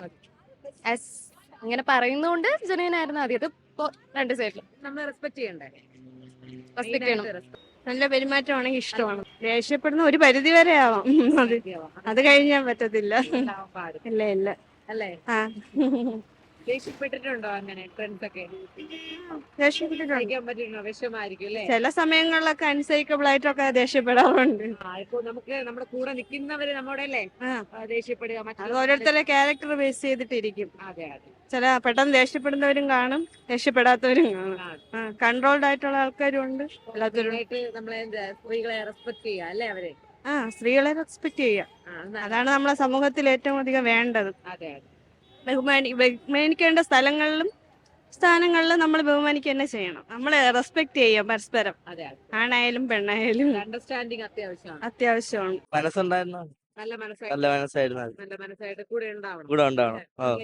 [SPEAKER 6] അങ്ങനെ പറയുന്നോണ്ട് ജെന്യൂൻ ആയിരുന്നാ മതി. അത് രണ്ട് സൈഡിലും
[SPEAKER 1] നമ്മൾ റെസ്പെക്ട് ചെയ്യണ്ടേ?
[SPEAKER 6] റെസ്പെക്ട് ചെയ്യണം.
[SPEAKER 10] നല്ല പെരുമാറ്റമാണെങ്കിൽ ഇഷ്ടമാണ്. ദേഷ്യപ്പെടുന്ന ഒരു പരിധി വരെ ആവാം, അത് കഴിഞ്ഞാൽ പറ്റത്തില്ല. ഇല്ല ഇല്ല
[SPEAKER 1] അല്ലേ? ദേഷ്യപ്പെട്ടിട്ടുണ്ടോ അങ്ങനെ ഫ്രണ്ട്സ് ഒക്കെ?
[SPEAKER 10] ദേഷ്യപ്പെട്ടിട്ടുണ്ടോ?
[SPEAKER 1] വിഷമായിരിക്കും അല്ലേ?
[SPEAKER 10] ചില സമയങ്ങളിലൊക്കെ അൺസൈക്കബിൾ ആയിട്ടൊക്കെ ദേഷ്യപ്പെടാറുണ്ട്.
[SPEAKER 1] ഇപ്പൊ നമുക്ക് നമ്മുടെ കൂടെ നിൽക്കുന്നവര് നമ്മുടെ അല്ലേ ദേഷ്യപ്പെടുക,
[SPEAKER 10] അത് ഓരോരുത്തരുടെ ക്യാരക്ടർ ബേസ് ചെയ്തിട്ടിരിക്കും.
[SPEAKER 1] അതെ അതെ.
[SPEAKER 10] ചില പെട്ടെന്ന് ദേഷ്യപ്പെടുന്നവരും കാണും, ദേഷ്യപ്പെടാത്തവരും കാണും. കൺട്രോൾഡ് ആയിട്ടുള്ള ആൾക്കാരും ഉണ്ട്. എല്ലാത്തവരും
[SPEAKER 1] നമ്മളെ സ്ത്രീകളെ റെസ്പെക്ട് ചെയ്യാ അല്ലേ അവര്?
[SPEAKER 10] സ്ത്രീകളെ റെസ്പെക്ട് ചെയ്യാം. അതാണ് നമ്മളെ സമൂഹത്തിൽ ഏറ്റവും അധികം വേണ്ടത്.
[SPEAKER 1] അതെ അതെ.
[SPEAKER 10] ബഹുമാനിക്കേണ്ട സ്ഥാനങ്ങളിലും നമ്മൾ ബഹുമാനിക്കുക തന്നെ ചെയ്യണം. നമ്മൾ റെസ്പെക്ട് ചെയ്യാം പരസ്പരം. ആണായാലും പെണ്ണായാലും
[SPEAKER 1] അണ്ടർസ്റ്റാൻഡിങ്
[SPEAKER 10] അത്യാവശ്യമാണ്.
[SPEAKER 3] മനസ്സുണ്ടായിരുന്നു,
[SPEAKER 1] നല്ല
[SPEAKER 3] മനസ്സായിരുന്നു.
[SPEAKER 1] നല്ല മനസ്സായിട്ട് കൂടെ ഉണ്ടാവണം.
[SPEAKER 3] കൂടെ ഉണ്ടാവണം.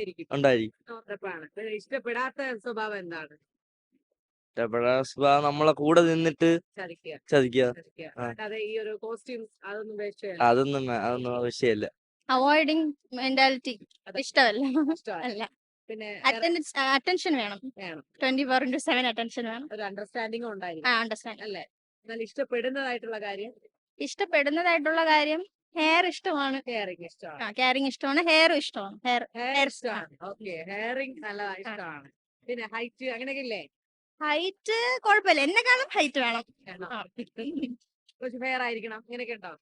[SPEAKER 1] ഇഷ്ടപ്പെടാത്ത സ്വഭാവം എന്താണ്?
[SPEAKER 3] ഇഷ്ടപ്പെടാത്ത സ്വഭാവം നമ്മളെ കൂടെ നിന്നിട്ട് ചതിക്കുക.
[SPEAKER 1] അതെ, ഈ ഒരു കോസ്റ്റ്യൂംസ്
[SPEAKER 3] അതൊന്നും ആവശ്യമില്ല.
[SPEAKER 2] അവോയ്ഡിങ് മെന്റാലിറ്റി ഇഷ്ടമല്ല.
[SPEAKER 1] പിന്നെ
[SPEAKER 2] അറ്റൻഷൻ വേണം. 24/7 അറ്റൻഷൻ വേണം.
[SPEAKER 1] ഒരു അണ്ടർസ്റ്റാൻഡിങ് ഉണ്ടായിരിക്കും.
[SPEAKER 2] അണ്ടർസ്റ്റാൻഡിങ്.
[SPEAKER 1] അല്ലേ? എന്നാൽ ഇഷ്ടപ്പെടുന്നതായിട്ടുള്ള
[SPEAKER 2] കാര്യം ഹെയർ ഇഷ്ടമാണ്.
[SPEAKER 1] കെയറിംഗ് ഇഷ്ടമാണ്.
[SPEAKER 2] കെയറിംഗ് ഇഷ്ടമാണ്. ഹെയറും ഇഷ്ടമാണ്.
[SPEAKER 1] ഹെയർ ഇഷ്ടമാണ്. ഓക്കെ, ഹെയറിംഗ് നല്ല ഇഷ്ടമാണ്. പിന്നെ ഹൈറ്റ് അങ്ങനെയൊക്കെ ഇല്ലേ?
[SPEAKER 2] ഹൈറ്റ് കുഴപ്പമില്ല, എന്നെക്കാളും ഹൈറ്റ് വേണം.
[SPEAKER 1] കുറച്ച് ഫെയർ ആയിരിക്കണം, അങ്ങനെയൊക്കെ ഉണ്ടോ?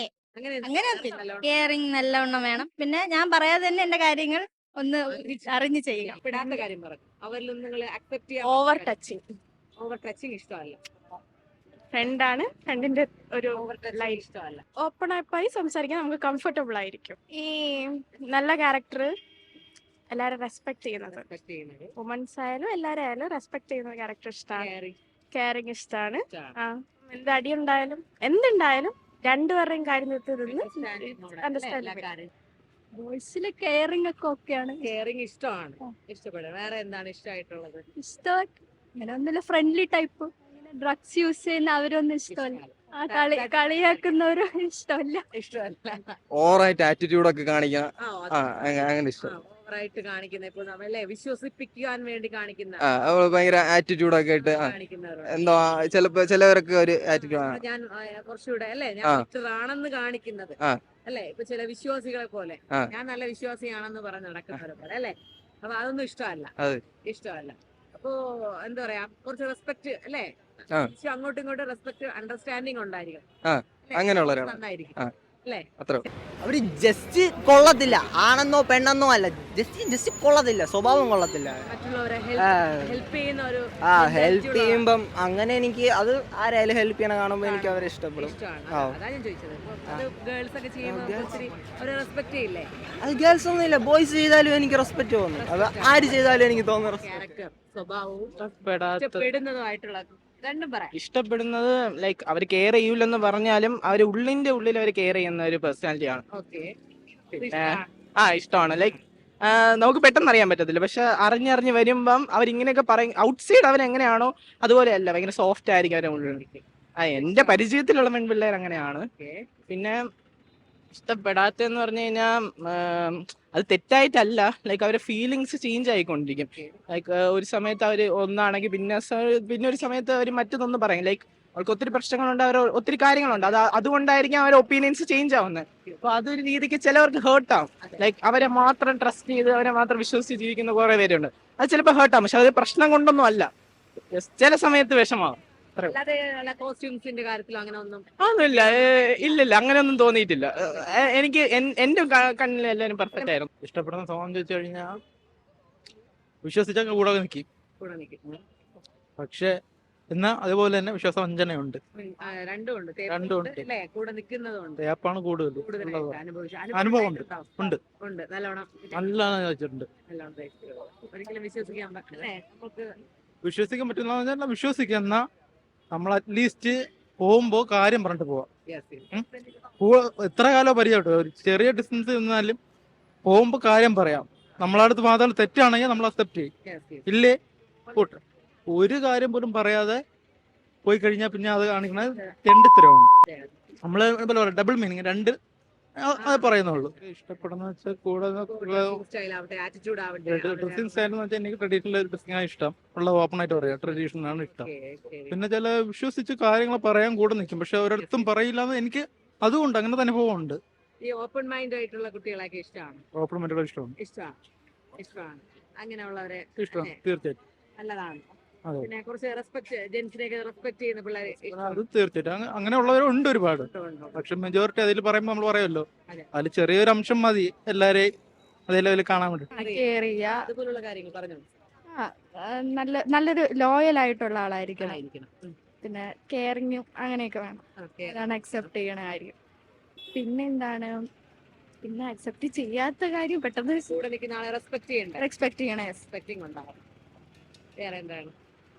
[SPEAKER 2] അങ്ങനെ കെയറിംഗ് നല്ലവണ്ണം വേണം. പിന്നെ ഞാൻ പറയാതെ തന്നെ എന്റെ കാര്യങ്ങൾ ഒന്ന് അറിഞ്ഞു ചെയ്യുക.
[SPEAKER 1] ഇഷ്ടപ്പെടാത്ത കാര്യം പറഞ്ഞു, അവരിൽ നിങ്ങൾ അക്സെപ്റ്റ് ചെയ്യാൻ.
[SPEAKER 10] ഓവർ ടച്ചിങ്
[SPEAKER 1] ഇഷ്ടമല്ല.
[SPEAKER 10] ഫ്രണ്ടാണ്, ഫ്രണ്ടിന്റെ ഒരു
[SPEAKER 1] ലൈഫ് ഇഷ്ടമല്ല.
[SPEAKER 10] ഓപ്പൺ ആയി സംസാരിക്കാൻ നമുക്ക് കംഫർട്ടബിൾ ആയിരിക്കും. ഈ നല്ല ക്യാരക്ടർ, എല്ലാരും റെസ്പെക്ട് ചെയ്യുന്നത്, വുമൻസ് ആയാലും എല്ലാരും ആയാലും റെസ്പെക്ട് ചെയ്യുന്ന ക്യാരക്ടർ ഇഷ്ടമാണ്. കെയറിംഗ് ഇഷ്ടമാണ്. എന്ത് അടിയുണ്ടായാലും എന്തുണ്ടായാലും രണ്ടുപേരുടെയും കാര്യം അണ്ടർസ്റ്റാൻഡ്.
[SPEAKER 2] ബോയ്സിലെ കെയറിംഗ് ഒക്കെ ഓക്കെയാണ്.
[SPEAKER 1] കെയറിംഗ് ഇഷ്ടമാണ്. ഇഷ്ടപ്പെടും. വേറെ എന്താണ് ഇഷ്ടമായിട്ടുള്ളത്?
[SPEAKER 2] ഇഷ്ടം അങ്ങനെ ഒന്നുമില്ല, ഫ്രണ്ട്ലി ടൈപ്പ്.
[SPEAKER 10] ഡ്രഗ്സ് യൂസ് ചെയ്യുന്ന അവരൊന്നും ഇഷ്ടമല്ല. ആ കളിയാക്കുന്നവരും ഇഷ്ടമല്ല.
[SPEAKER 1] ഇഷ്ടമല്ല.
[SPEAKER 9] ഓവറായിട്ട് ആറ്റിറ്റ്യൂഡ് ഒക്കെ കാണിക്കണം.
[SPEAKER 1] ആ,
[SPEAKER 9] അങ്ങനെ ഇഷ്ടം.
[SPEAKER 1] ഓവറായിട്ട് കാണിക്കുന്ന ഇപ്പൊ നമ്മളെ വിശ്വസിപ്പിക്കാൻ വേണ്ടി കാണിക്കുന്ന
[SPEAKER 9] അവള് ഭയങ്കര ആറ്റിറ്റ്യൂഡ് ഒക്കെ ഇട്ട്
[SPEAKER 1] കാണിക്കുന്നവരുണ്ട്.
[SPEAKER 9] എന്തോ ചിലവരൊക്കെ ഒരു ആറ്റിറ്റ്യൂഡ്.
[SPEAKER 1] ഞാൻ കുറച്ചുകൂടെ അല്ലെ ഞാൻ ബെറ്റർ ആണെന്ന് കാണിക്കുന്നത് അല്ലെ. ഇപ്പൊ ചില വിശ്വാസികളെ പോലെ ഞാൻ നല്ല വിശ്വാസിയാണെന്ന് പറഞ്ഞ് നടക്കുന്നവരെ പോലെ അല്ലെ. അപ്പൊ അതൊന്നും ഇഷ്ടമല്ല. ഇഷ്ടമല്ല. അപ്പോ എന്താ പറയാ കുറച്ച് റെസ്പെക്ട് അല്ലെ. അങ്ങോട്ടും ഇങ്ങോട്ടും റെസ്പെക്ട് അണ്ടർസ്റ്റാൻഡിങ് ഉണ്ടായിരിക്കും.
[SPEAKER 9] അങ്ങനെയുള്ളവരാണ്.
[SPEAKER 1] നന്നായിരിക്കും അല്ലേ.
[SPEAKER 9] അത്ര
[SPEAKER 3] അവര് ജസ്റ്റ് കൊള്ളത്തില്ല, ആണെന്നോ പെണ്ണെന്നോ അല്ല, ജസ്റ്റ് കൊള്ളത്തില്ല, സ്വഭാവം കൊള്ളത്തില്ല.
[SPEAKER 1] മറ്റുള്ളവരെ ഹെൽപ്പ് ചെയ്യുന്ന ഒരു
[SPEAKER 3] ഹെൽപ്പ് ചെയ്യുമ്പം അങ്ങനെ എനിക്ക് അത് ആരായാലും ഹെൽപ്പ് ചെയ്യണ കാണുമ്പോ എനിക്ക് അവരെ ഇഷ്ടപ്പെടും.
[SPEAKER 1] ഇഷ്ടമാണ്. അതാ ഞാൻ ചോദിച്ചത്. അത് ഗേൾസ് ഒക്കെ ചെയ്യുമ്പോൾ ഒത്തിരി അവരെ റെസ്പെക്ട് ചെയ്യില്ലേ.
[SPEAKER 3] അത് ഗേൾസ് ഒന്നും ഇല്ല, ബോയ്സ് ചെയ്താലും എനിക്ക് റെസ്പെക്ട് തോന്നും. അത് ആര് ചെയ്താലും എനിക്ക് തോന്നുന്നു.
[SPEAKER 1] ക്യാരക്ടർ സ്വഭാവവും ഇഷ്ടപ്പെടുന്നതുമായിട്ടുള്ള രണ്ടും പറയാം.
[SPEAKER 11] ഇഷ്ടപ്പെടുന്നത് ലൈക്ക് അവർ കെയർ ചെയ്യൂലെന്ന് പറഞ്ഞാലും അവർ ഉള്ളിന്റെ ഉള്ളിൽ അവർ കെയർ ചെയ്യുന്ന ഒരു പേഴ്സണാലിറ്റി ആണ്.
[SPEAKER 1] ഓക്കെ.
[SPEAKER 11] ഇഷ്ടമാണ്. ലൈക്ക് നമുക്ക് പെട്ടെന്ന് അറിയാൻ പറ്റത്തില്ല, പക്ഷെ അറിഞ്ഞറിഞ്ഞ് വരുമ്പം അവരിങ്ങനെയൊക്കെ പറയും. ഔട്ട്സൈഡ് അവരെങ്ങനെയാണോ അതുപോലെയല്ല, ഭയങ്കര സോഫ്റ്റ് ആയിരിക്കും അവരുടെ ഉള്ളിൽ. എന്റെ പരിചയത്തിലുള്ള പെൺപിള്ളേർ അങ്ങനെയാണ്. പിന്നെ ഇഷ്ടപ്പെടാത്തെന്ന് പറഞ്ഞു കഴിഞ്ഞാൽ അത് തെറ്റായിട്ടല്ല, ലൈക്ക് അവരുടെ ഫീലിങ്സ് ചേഞ്ച് ആയിക്കൊണ്ടിരിക്കും. ലൈക്ക് ഒരു സമയത്ത് അവർ ഒന്നാണെങ്കിൽ പിന്നെ ഒരു സമയത്ത് അവർ മറ്റൊന്നും പറയും. ലൈക്ക് അവർക്ക് ഒത്തിരി പ്രശ്നങ്ങളുണ്ട്, അവർ ഒത്തിരി കാര്യങ്ങളുണ്ട്, അതുകൊണ്ടായിരിക്കും അവരുടെ ഒപ്പീനിയൻസ് ചേഞ്ച് ആവുന്നത്. അപ്പൊ അതൊരു രീതിക്ക് ചിലവർക്ക് ഹേർട്ടാവും. ലൈക്ക് അവരെ മാത്രം ട്രസ്റ്റ് ചെയ്ത് അവരെ മാത്രം വിശ്വസിച്ച് ജീവിക്കുന്ന കുറെ പേരുണ്ട്. അത് ചിലപ്പോൾ ഹേർട്ടാവും, പക്ഷെ അത് പ്രശ്നം കൊണ്ടൊന്നും അല്ല, ചില സമയത്ത് വിഷമാവും.
[SPEAKER 1] കോസ്റ്റ്യൂംസിന്റെ കാര്യത്തിലും അങ്ങനെ ഒന്നും
[SPEAKER 11] ഒന്നുമില്ല. ഇല്ലില്ല, അങ്ങനെയൊന്നും തോന്നിയിട്ടില്ല. എനിക്ക് എന്റെ കണ്ണിൽ എല്ലാവരും പെർഫെക്റ്റ് ആയിരുന്നു.
[SPEAKER 5] ഇഷ്ടപ്പെടുന്ന സ്വഭാവം ചോദിച്ചു കഴിഞ്ഞാൽ വിശ്വസിച്ചാൽ കൂടെ നിൽക്കും. പക്ഷെ എന്നാ അതുപോലെ തന്നെ വിശ്വാസവഞ്ചനയുണ്ട്.
[SPEAKER 1] രണ്ടും ഉണ്ട് അല്ലേ. കൂടെ നിൽക്കുന്നതുണ്ട്.
[SPEAKER 5] തേപ്പാണ് കൂടുതൽ. അനുഭവം ഉണ്ട്. നല്ലോണം ചോദിച്ചിട്ടുണ്ട്.
[SPEAKER 1] ഒരിക്കലും വിശ്വസിക്കാൻ പറ്റില്ലേ. നമുക്ക്
[SPEAKER 5] വിശ്വസിക്കാൻ പറ്റുന്ന വിശ്വസിക്കുന്ന നമ്മൾ അറ്റ്ലീസ്റ്റ് പോകുമ്പോ കാര്യം പറഞ്ഞിട്ട് പോവാം. എത്ര കാലം പരിചയപ്പെട്ടു, ഒരു ചെറിയ ഡിസ്റ്റൻസ് നിന്നാലും പോകുമ്പോ കാര്യം പറയാം. നമ്മളടുത്ത് മാത്രം തെറ്റാണെങ്കിൽ നമ്മൾ അക്സെപ്റ്റ് ചെയ്യും. ഇല്ലേ കൂട്ട് ഒരു കാര്യം പോലും പറയാതെ പോയി കഴിഞ്ഞാൽ പിന്നെ അത് കാണിക്കുന്നത് തെണ്ടിത്തരമാണ്. നമ്മള് ഡബിൾ മീനിങ് രണ്ട് അത് പറയുന്നുള്ളൂ. ഇഷ്ടപ്പെടുന്ന വെച്ചാൽ കൂടെ ഡ്രസ്സിംഗ് സ്റ്റൈൽ എന്ന് വെച്ചാൽ എനിക്ക് ട്രഡീഷണൽ ഡ്രസ്സിംഗ് ആണ് ഇഷ്ടം. ഉള്ള ഓപ്പൺ ആയിട്ട് പറയാം, ട്രഡീഷണൽ ആണ് ഇഷ്ടം. പിന്നെ ചില വിശ്വസിച്ച് കാര്യങ്ങൾ പറയാൻ കൂടെ നിൽക്കും, പക്ഷെ ഒരിടത്തും പറയില്ലാന്ന് എനിക്ക് അതുകൊണ്ട് അങ്ങനത്തെ അനുഭവം ഉണ്ട്.
[SPEAKER 1] ഈ ഓപ്പൺ മൈൻഡ് ആയിട്ടുള്ള കുട്ടികളൊക്കെ ഇഷ്ടമാണ്.
[SPEAKER 5] ഓപ്പൺ മൈൻഡ്
[SPEAKER 1] ഇഷ്ടമാണ്. അങ്ങനെയുള്ളവരെ
[SPEAKER 5] ഇഷ്ടമാണ് തീർച്ചയായിട്ടും.
[SPEAKER 1] നല്ലതാണ്. പിന്നെ കുറച്ച് റെസ്പെക്ട്, ജെൻസിനെയൊക്കെ റെസ്പെക്ട് ചെയ്യുന്ന പിള്ളേരെ
[SPEAKER 5] അത് തീർച്ചയായിട്ടും അങ്ങനെയുള്ളവരുണ്ട് ഒരുപാട്. പക്ഷെ മെജോറിറ്റി അതിൽ പറയുമ്പോൾ നമ്മൾ പറയുമല്ലോ, അതിൽ ചെറിയൊരു അംശം മതി എല്ലാരെയും അതേ ലെവലിൽ കാണാൻ വേണ്ടി.
[SPEAKER 1] അതുപോലുള്ള കാര്യങ്ങൾ പറഞ്ഞു.
[SPEAKER 10] നല്ലൊരു ലോയൽ ആയിട്ടുള്ള ആളായിരിക്കണം. പിന്നെ കെയറിങ്ങും അങ്ങനെയൊക്കെ വേണം. അതാണ് അക്സെപ്റ്റ് ചെയ്യണ കാര്യം. പിന്നെന്താണ്, പിന്നെ അക്സെപ്റ്റ് ചെയ്യാത്ത കാര്യം പെട്ടെന്ന്
[SPEAKER 1] കൂടെ നിൽക്കുന്ന ആളെ റെസ്പെക്ട് ചെയ്യണം.
[SPEAKER 10] റെസ്പെക്ട് ചെയ്യണേ.
[SPEAKER 1] റെസ്പെക്ടിങ് ഉണ്ടാവും. വേറെ എന്താണ്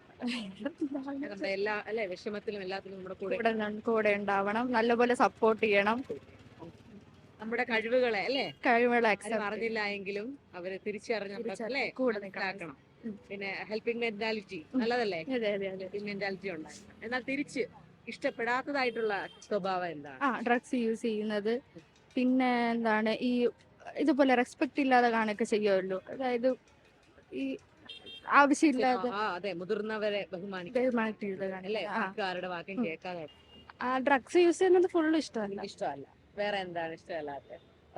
[SPEAKER 1] എല്ലാ അല്ലെ വിഷമത്തിലും എല്ലാത്തിലും നമ്മുടെ
[SPEAKER 10] കൂടെ ഉണ്ടാവണം. നല്ലപോലെ സപ്പോർട്ട് ചെയ്യണം.
[SPEAKER 1] നമ്മുടെ കഴിവുകളെ അല്ലെ
[SPEAKER 10] കഴിവുകളെ
[SPEAKER 1] അറിഞ്ഞില്ല എങ്കിലും അവരെ തിരിച്ചറിഞ്ഞല്ലേ കൂടെ നിൽക്കണം. പിന്നെ ഹെൽപ്പിംഗ് മെന്റാലിറ്റി നല്ലതല്ലേ. ഹെൽപ്പിംഗ് മെന്റാലിറ്റി ഉണ്ടായിരുന്നു. എന്നാൽ തിരിച്ച് ഇഷ്ടപ്പെടാത്തതായിട്ടുള്ള സ്വഭാവം എന്താണ്?
[SPEAKER 10] ഡ്രഗ്സ് യൂസ് ചെയ്യുന്നത്. പിന്നെ എന്താണ്, ഈ ഇതുപോലെ റെസ്പെക്ട് ഇല്ലാതെ കാണുകയൊക്കെ ചെയ്യുമല്ലോ. അതായത് ഈ ആവശ്യമില്ലാതെ
[SPEAKER 1] അതെ മുതിർന്നവരെ ബഹുമാനിക്കാരുടെ വാക്കും കേൾക്കാതെ
[SPEAKER 10] ഡ്രഗ്സ് യൂസ് ചെയ്യുന്നത് ഫുള്ള്
[SPEAKER 1] ഇഷ്ടമല്ല. വേറെ എന്താണ് ഇഷ്ടമല്ലാത്ത?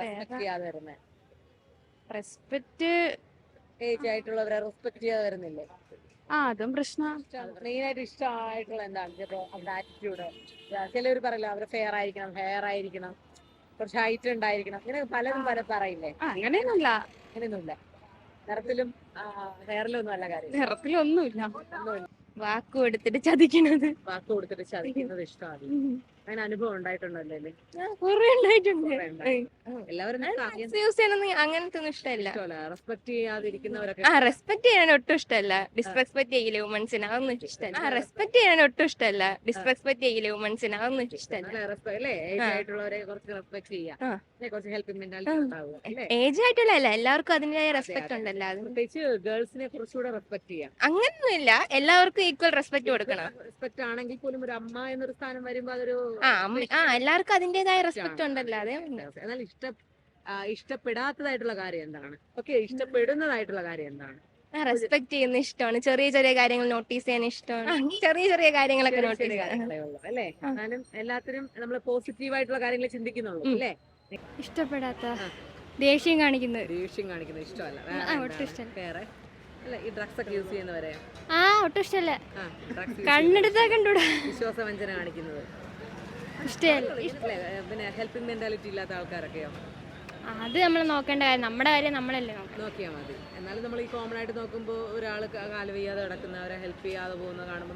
[SPEAKER 10] റെസ്പെക്ട്
[SPEAKER 1] ഏജ് ആയിട്ടുള്ളവരെ റെസ്പെക്ട് ചെയ്യാതെ വരുന്നില്ലേ?
[SPEAKER 10] അതും പ്രശ്നമാണ്.
[SPEAKER 1] മെയിൻ ആയിട്ട് ഇഷ്ടമായിട്ടുള്ള എന്താണ്? ചിലപ്പോ അവരുടെ ആറ്റിറ്റ്യൂഡ്. ചിലവർ പറയല്ലോ അവര് ഫെയർ ആയിരിക്കണം, ഹെയർ ആയിരിക്കണം, കുറച്ച് ഹൈറ്റ് ഉണ്ടായിരിക്കണം, ഇങ്ങനെ പലതും പറയില്ലേ?
[SPEAKER 10] അങ്ങനെയൊന്നുമില്ല.
[SPEAKER 1] അങ്ങനെയൊന്നുമില്ല. നിറത്തിലും ഹെയറിലും ഒന്നും അല്ല കാര്യം.
[SPEAKER 10] നിറത്തിലൊന്നുമില്ല. വാക്ക് കൊടുത്തിട്ട് ചതിക്കുന്നത്
[SPEAKER 1] ഇഷ്ടമാണ്. അങ്ങനെ അനുഭവം ഉണ്ടായിട്ടുണ്ടല്ലോ അല്ലേ?
[SPEAKER 6] കുറെ ഉണ്ടായിട്ടുണ്ട്.
[SPEAKER 1] എല്ലാവരും
[SPEAKER 6] യൂസ് ചെയ്യണമെന്ന് അങ്ങനത്തെ ഒന്നും ഇഷ്ടമല്ല.
[SPEAKER 1] റെസ്പെക്ട് ചെയ്യാതിരിക്കുന്നവരൊക്കെ
[SPEAKER 6] റെസ്പെക്ട് ചെയ്യാൻ ഒട്ടും ഇഷ്ടമല്ല. ഡിസ്റെസ്പെക്ട് ചെയ്യില്ല വുമൻസിന്, അതൊന്നും ഇഷ്ടമല്ല. റെസ്പെക്ട് ചെയ്യാൻ ഒട്ടും ഇഷ്ടമല്ല. ഡിസ്റെസ്പെക്ട് ചെയ്യില്ല വുമൻസിന്, അതൊന്നും ഇഷ്ടമല്ല.
[SPEAKER 1] അല്ലേ ഏജ് ആയിട്ടുള്ളവരെ കുറച്ച് റെസ്പെക്ട് ചെയ്യാം, കുറച്ച് ഹെൽപ്പിംഗ് മെന്റാലിറ്റി ഉണ്ടാവുക അല്ലേ?
[SPEAKER 6] ഏജ് ആയിട്ടുള്ള എല്ലാവർക്കും അതിന്റേതായ റെസ്പെക്ട് ഉണ്ടല്ലോ. അത്
[SPEAKER 1] പ്രത്യേകിച്ച് ഗേൾസിനെ കുറച്ചുകൂടെ റെസ്പെക്ട് ചെയ്യാം.
[SPEAKER 6] അങ്ങനൊന്നുമില്ല, എല്ലാവർക്കും ഈക്വൽ റെസ്പെക്ട് കൊടുക്കണം.
[SPEAKER 1] റെസ്പെക്ട് ആണെങ്കിൽ പോലും ഒരു അമ്മ എന്നൊരു സ്ഥാനം വരുമ്പോ അതൊരു
[SPEAKER 6] എല്ലാവർക്കും അതിന്റേതായ റെസ്പെക്ട് ഉണ്ടല്ലോ. അതേ
[SPEAKER 1] എന്നാൽ ഇഷ്ടപ്പെടാത്തതായിട്ടുള്ള കാര്യം എന്താണ്? ഓക്കെ, ഇഷ്ടപ്പെടുന്നതായിട്ടുള്ള കാര്യം എന്താണ്?
[SPEAKER 6] റെസ്പെക്ട് ചെയ്യുന്ന ഇഷ്ടമാണ്. ചെറിയ ചെറിയ കാര്യങ്ങൾ നോട്ടീസ് ചെയ്യാൻ ഇഷ്ടമാണ്. ചെറിയ ചെറിയ കാര്യങ്ങളൊക്കെ നോട്ടീസ് ചെയ്യാൻ
[SPEAKER 1] അല്ലേ? എന്നാലും എല്ലാത്തിനും നമ്മൾ പോസിറ്റീവ് ആയിട്ടുള്ള കാര്യങ്ങൾ ചിന്തിക്കുന്നുള്ളൂ അല്ലേ?
[SPEAKER 10] ഇഷ്ടപ്പെടാത്ത ദേഷ്യം കാണിക്കുന്നത്
[SPEAKER 1] ഇഷ്ടമല്ല.
[SPEAKER 10] ഒട്ടും ഇഷ്ടമല്ല.
[SPEAKER 1] വേറെ അല്ല, ഈ ഡ്രഗ്സ് ഒക്കെ യൂസ് ചെയ്യുന്നവരെ
[SPEAKER 10] ഒട്ടും ഇഷ്ടമല്ല.
[SPEAKER 1] ഡ്രഗ്സ്
[SPEAKER 10] കണ്ണെടുത്താ കണ്ടൂടാ.
[SPEAKER 1] വിശ്വാസവഞ്ചന കാണിക്കുന്നത്
[SPEAKER 10] ഇഷ്ടമല്ല.
[SPEAKER 1] പിന്നെ ഹെൽപ്പിംഗ് മെന്റാലിറ്റി ഇല്ലാത്ത ആൾക്കാരൊക്കെയോ?
[SPEAKER 10] അത് നമ്മൾ നോക്കേണ്ട കാര്യം, നമ്മുടെ കാര്യം നമ്മളല്ലേ നോക്കണം.
[SPEAKER 1] നോക്കിയാൽ മതി. എന്നാലും നമ്മൾ ഈ കോമൺ ആയിട്ട് നോക്കുമ്പോൾ ഒരാൾ കാല് വയ്യാതെ കിടക്കുന്നവരെ ഹെൽപ്പ് ചെയ്യാതെ പോകുന്ന കാണുമ്പോൾ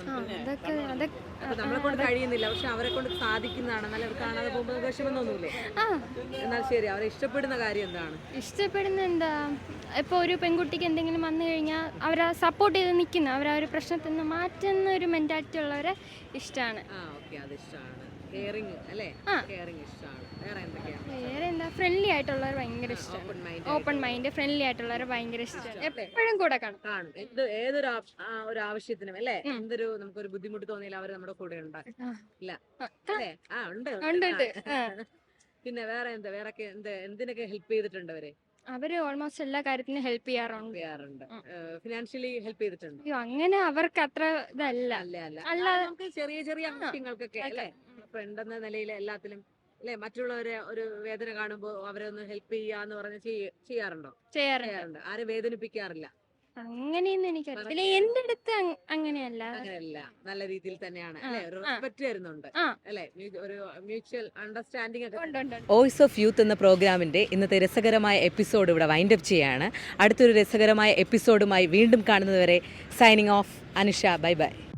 [SPEAKER 1] നമ്മളെ കൊണ്ട് കഴിയുന്നില്ല, പക്ഷെ അവരെ കൊണ്ട് സാധിക്കുന്നതാണ്. എന്നാലും അവർ കാണാതെ പോകുമ്പോൾ വിഷമൊന്നുമില്ലേ? എന്നാൽ ശരി, അവരെ ഇഷ്ടപ്പെടുന്ന കാര്യം എന്താണ്?
[SPEAKER 10] ഇഷ്ടപ്പെടുന്ന എന്താ, ഇപ്പോൾ ഒരു പെൺകുട്ടിക്ക് എന്തെങ്കിലും വന്നു കഴിഞ്ഞാൽ അവരെ സപ്പോർട്ട് ചെയ്ത് നിൽക്കുന്ന, അവരെ ഒരു പ്രശ്നത്തിൽ നിന്ന് മാറ്റുന്ന ഒരു മെന്റാലിറ്റി ഉള്ളവരെ ഇഷ്ടമാണ്.
[SPEAKER 1] ഓക്കെ, അത് ഇഷ്ടമാണ്. കെയറിങ് അല്ലേ? കെയറിങ് ഇഷ്ടമാണ്. വേറെ എന്തൊക്കെയാണ്?
[SPEAKER 10] വേറെ എന്താ, ഫ്രണ്ട്ലി ആയിട്ടുള്ളവർ ഭയങ്കര ഇഷ്ടമാണ്. ഓപ്പൺ മൈൻഡ്, ഫ്രണ്ട്ലി ആയിട്ടുള്ളവർ ഭയങ്കര ഇഷ്ടമാണ്. എപ്പോഴും കൂടെ കാണും.
[SPEAKER 1] ഏതൊരു ഒരു ആവശ്യത്തിനും അല്ലേ, എന്തൊരു നമുക്കൊരു ബുദ്ധിമുട്ട് തോന്നിയാൽ അവർ നമ്മുടെ കൂടെ ഉണ്ടാകും. ഇല്ല അല്ലേ? ഉണ്ട്. പിന്നെ വേറെ എന്താ, വേറെ എന്തിനൊക്കെ ഹെൽപ്പ് ചെയ്തിട്ടുണ്ട്
[SPEAKER 10] അവര് ഓൾമോസ്റ്റ് എല്ലാ കാര്യത്തിനും ഹെൽപ്പ് ചെയ്യാറുണ്ട്.
[SPEAKER 1] ഫിനാൻഷ്യലി ഹെൽപ്പ് ചെയ്തിട്ടുണ്ട്?
[SPEAKER 10] അയ്യോ, അങ്ങനെ അവർക്ക് അത്ര ഇതല്ല.
[SPEAKER 1] അല്ലാതെ നമുക്ക് ചെറിയ ചെറിയ ആവശ്യങ്ങൾക്കൊക്കെ അല്ലേ, ഫ്രണ്ട് എന്ന നിലയിൽ എല്ലാത്തിലും അല്ലെ, മറ്റുള്ളവരെ ഒരു വേദന കാണുമ്പോൾ അവരെ ഒന്ന് ഹെൽപ്പ് ചെയ്യാന്ന് പറഞ്ഞ് ചെയ്യാറുണ്ടോ? ചെയ്യാറുണ്ട്. ആരും വേദനിപ്പിക്കാറില്ല?
[SPEAKER 10] അങ്ങനെയൊന്നും എനിക്കറിയില്ല. എന്റെ അടുത്ത് അങ്ങനെയല്ല.
[SPEAKER 1] നല്ല രീതിയിൽ തന്നെയാണ് അല്ലെ, ഒരു റെസ്പെക്ട് വരുന്നുണ്ട് അല്ലെ, ഒരു മ്യൂച്വൽ അണ്ടർസ്റ്റാൻഡിംഗ് ഒക്കെ. വോയിസ് ഓഫ് യൂത്ത് എന്ന പ്രോഗ്രാമിന്റെ ഇന്നത്തെ രസകരമായ എപ്പിസോഡ് ഇവിടെ വൈൻഡ് അപ്പ് ചെയ്യാണ്. അടുത്തൊരു രസകരമായ എപ്പിസോഡുമായി വീണ്ടും കാണുന്നതുവരെ signing off. Anusha, bye by.